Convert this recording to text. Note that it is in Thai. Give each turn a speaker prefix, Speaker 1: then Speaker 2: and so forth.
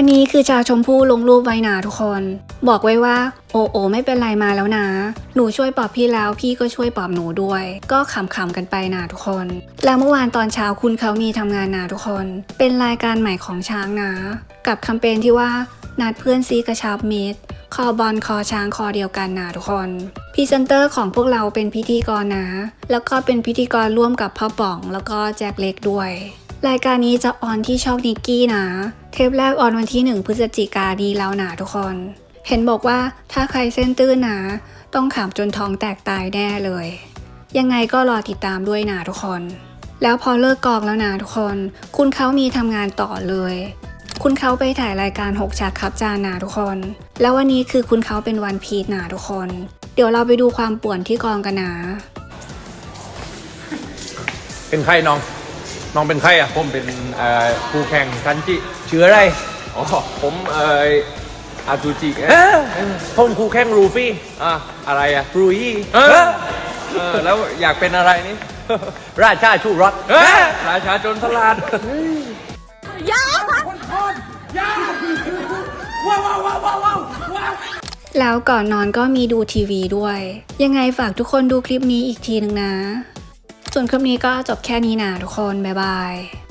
Speaker 1: อันนี้คือชาชมพู่ลงรูปไว้นะทุกคนบอกไว้ว่าโอไม่เป็นไรมาแล้วนะหนูช่วยปลอบพี่แล้วพี่ก็ช่วยปลอบหนูด้วยก็ขำๆกันไปนะทุกคนแล้วเมื่อวานตอนเช้าคุณเขามีทำงานนะทุกคนเป็นรายการใหม่ของช้างนะกับแคมเปญที่ว่านัดเพื่อนซีกระชับมิตรคอบอลคอช้างคอเดียวกันนะทุกคนพรีเซนเตอร์ของพวกเราเป็นพิธีกรนะแล้วก็เป็นพิธีกรร่วมกับพ่อป๋องแล้วก็แจ็คเล็กด้วยรายการนี้จะออนที่ช่องนิกกี้นะเทปแรกออนวันที่1 พฤศจิกายนดีแล้วนะทุกคนเห็นบอกว่าถ้าใครเส้นตื้นนะต้องขำจนท้องแตกตายแน่เลยยังไงก็รอติดตามด้วยนะทุกคนแล้วพอเลิกกองแล้วนะทุกคนคุณเขามีทำงานต่อเลยคุณเขาไปถ่ายรายการ6ฉากครับจานนะทุกคนแล้ววันนี้คือคุณเขาเป็นวันพีชนะทุกคนเดี๋ยวเราไปดูความป่วนที่กองกันนะ
Speaker 2: เป็นใครน้องเป็นใครอ่ะผมเป็นผู้แข่งคันจิชื่ออะไรอ๋อผมอาจูจิผมคู่แข่งรูฟี่อะไรอ่ะรูยี่แล้วอยากเป็นอะไรนี่ ราชาชูรสราชาโจรสลัด
Speaker 3: ยา
Speaker 1: แล้วก่อนนอนก็มีดูทีวีด้วยยังไงฝากทุกคนดูคลิปนี้อีกทีนึงนะส่วนคลิปนี้ก็จบแค่นี้นะทุกคนบ๊ายบาย